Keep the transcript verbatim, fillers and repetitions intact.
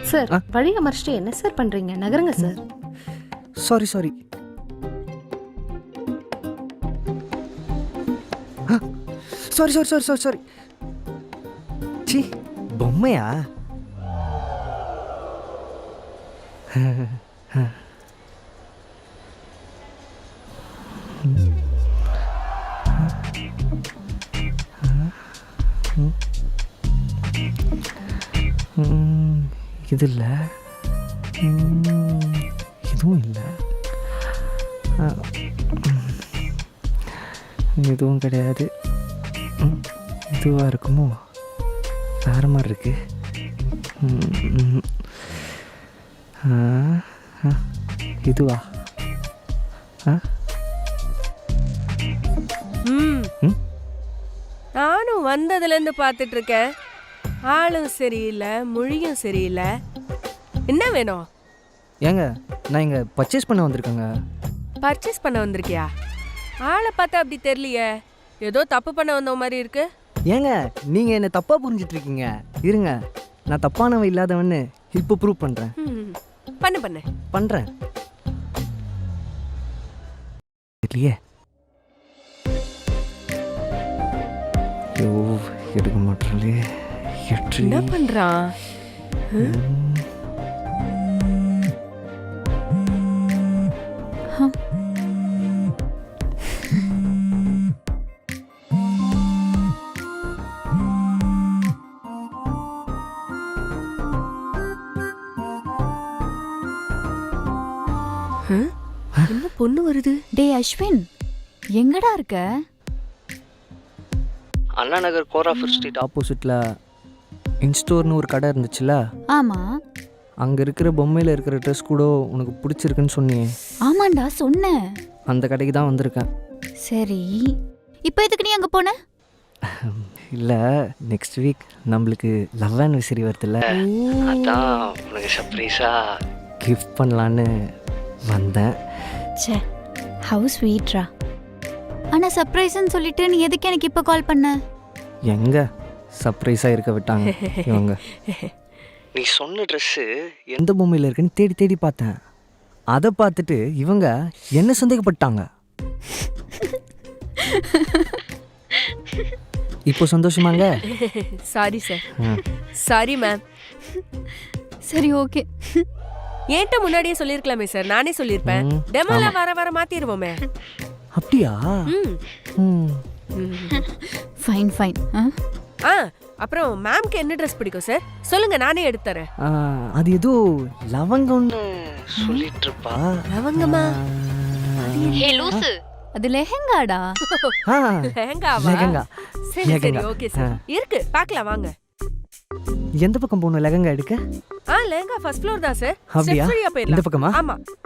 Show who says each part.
Speaker 1: Sir வழியை மறைச்சிட்டு என்ன சார் பண்றீங்க? நகருங்க sir.
Speaker 2: Sorry sorry sorry sorry sorry sorry sorry சி பொம்மையா? இது இல்லை, இதுவும் இல்லை, இதுவும் கிடையாது. இதுவாக இருக்குமோ? வேறு மாதிரி இருக்கு. இதுவா?
Speaker 3: நானும் வந்ததுலேருந்து பார்த்துட்டு இருக்கேன். ஆளும் சரியில்லை, மொழியும் சரியில்லை. என்ன வேணும்?
Speaker 2: ஏங்க நான் இங்கே பர்ச்சேஸ் பண்ண வந்திருக்கேங்க.
Speaker 3: பர்ச்சேஸ் பண்ண வந்திருக்கியா? ஆளை பார்த்தா அப்படி தெரியலையே, ஏதோ தப்பு பண்ண வந்த மாதிரி இருக்கு.
Speaker 2: ஏங்க நீங்கள் என்னை தப்பாக புரிஞ்சிட்டு இருக்கீங்க. இருங்க, நான் தப்பானவன் இல்லாதவன்னு இப்போ ப்ரூவ் பண்ணுறேன்.
Speaker 3: பண்ணு பண்ணு
Speaker 2: பண்ணுறேன். இல்லையே, ஐயோ எடுக்க மாட்டேங்களே.
Speaker 3: என்ன பண்றான்? என்ன பொண்ணு வருது?
Speaker 4: டே அஸ்வின், எங்கடா இருக்க?
Speaker 2: அண்ணா நகர் கோராஃபர் ஸ்ட்ரீட் ஆப்போசிட்டில் இன்ஸ்டோர்னு ஒரு கடை இருந்துச்சுல்ல?
Speaker 4: ஆமா.
Speaker 2: அங்கே இருக்கிற பொம்மையில் இருக்கிற ட்ரெஸ் கூட உனக்கு பிடிச்சிருக்குன்னு சொன்னியே.
Speaker 4: ஆமாண்டா சொன்னேன்.
Speaker 2: அந்த கடைக்கு தான் வந்திருக்கேன்.
Speaker 4: சரி, இப்போ எதுக்கு நீ அங்கே போன?
Speaker 2: இல்லை, நெக்ஸ்ட் வீக் நம்மளுக்கு லவ் ஆனிவர்சரி வருதுல்ல, அதான் உனக்கு சர்ப்ரைஸாக கிஃப்ட் பண்ணலான்னு வந்தேன்.
Speaker 4: சே, ஹவு ஸ்வீட்ரா. ஆனால் சர்ப்ரைஸ்ன்னு சொல்லிட்டு நீ எதுக்கு எனக்கு இப்போ கால் பண்ண?
Speaker 2: எங்க சர்ப்ரைஸாக இருக்க விட்டாங்க இவங்க. நீ சொன்ன ட்ரெஸ்ஸு எந்த பொம்மையில் இருக்குன்னு தேடி தேடி பார்த்தேன். அதை பார்த்துட்டு இவங்க என்ன சந்தேகப்பட்டாங்க. இப்போ சந்தோஷமாங்க?
Speaker 3: Sorry sir. Sorry ma'am.
Speaker 4: சரி ஓகே.
Speaker 3: ஏன்ட்ட முன்னாடியே சொல்லிருக்கலாமே சார், நானே சொல்லிருப்பேன். டெமோல வர வர மாத்திடுவோமே.
Speaker 2: அப்படியா?
Speaker 4: Fine fine.
Speaker 3: ஆ, அப்புறம் மேம்க்கு என்ன ட்ரெஸ் பிடிக்கும் சார் சொல்லுங்க, நானே எடுத்து தரேன்.
Speaker 2: அது ஏதோ லவங்கம்னு சொல்லிட்டு இருப்பா.
Speaker 3: லவங்கமா?
Speaker 4: ஹே லூசு, அது லெஹெங்காடா.
Speaker 3: லெஹெங்காவா?
Speaker 2: லெஹெங்கா.
Speaker 3: சரி சரி ஓகே சார், இருக்கு பார்க்கலாம் வாங்க.
Speaker 2: எந்த பக்கம் போகணும் லெஹெங்கா எடுக்க?
Speaker 3: ஆ லெஹெங்கா ஃபர்ஸ்ட் ஃப்ளோர் தான் சார்.
Speaker 2: அப்படியா?
Speaker 3: ஸ்டெப் ஃப்ரீயா போயிடலாம்.
Speaker 2: இந்த பக்கமா?
Speaker 3: ஆமா.